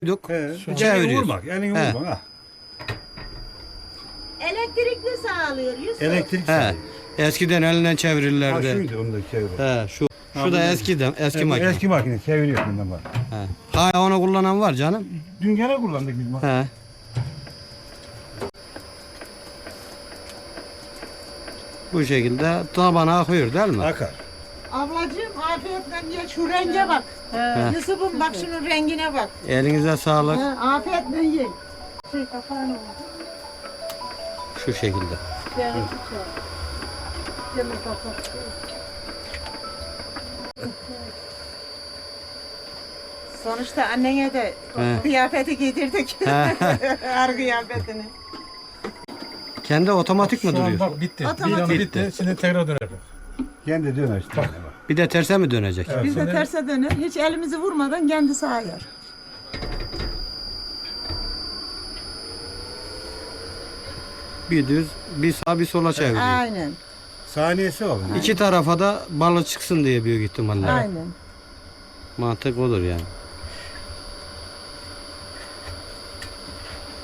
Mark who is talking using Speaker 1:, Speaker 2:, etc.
Speaker 1: Elini
Speaker 2: Çeviriyoruz.
Speaker 1: vurmak, elini
Speaker 2: He.
Speaker 1: vurmak. Ha.
Speaker 3: Elektrikli sağlıyor Yusuf.
Speaker 1: Elektrik
Speaker 2: He.
Speaker 1: sayıyor.
Speaker 2: Eskiden elinden
Speaker 1: Ha
Speaker 2: çevirirlerdi.
Speaker 1: şuydu onu da çevir.
Speaker 2: He, şu
Speaker 1: Ha,
Speaker 2: da
Speaker 1: bu
Speaker 2: eski makine.
Speaker 1: Eski makine çeviriyor bundan bak.
Speaker 2: He. Hala onu kullanan var canım.
Speaker 1: Dün gene kullandık biz makine.
Speaker 2: He. Bu şekilde tabana akıyor değil mi?
Speaker 1: Akar.
Speaker 3: Ablacığım afiyetle ye şu renge bak. Yusuf'um bak şunun rengine bak.
Speaker 2: Elinize sağlık.
Speaker 3: Afiyetle ye. Şey kapağını
Speaker 2: Şu şekilde.
Speaker 3: Sonuçta annene de
Speaker 2: He.
Speaker 3: kıyafeti giydirdik.
Speaker 2: He.
Speaker 3: Ar kıyafetini.
Speaker 2: Kendi otomatik mi
Speaker 4: Şu an
Speaker 2: duruyor?
Speaker 4: bak bitti.
Speaker 3: Otomatik.
Speaker 4: Bir an bitti. Şimdi tekrar döner.
Speaker 1: Kendi döner işte. Bak.
Speaker 2: Bir de terse mi dönecek?
Speaker 4: Evet,
Speaker 3: Biz de
Speaker 4: şimdi
Speaker 3: terse döner. Hiç elimizi vurmadan kendisi ayar.
Speaker 2: Bir düz, bir sağ, bir sola çeviriyor.
Speaker 3: Aynen.
Speaker 1: Saniyesi var.
Speaker 2: İki tarafa da balı çıksın diye büyük ihtimalle.
Speaker 3: Aynen.
Speaker 2: Mantık odur yani.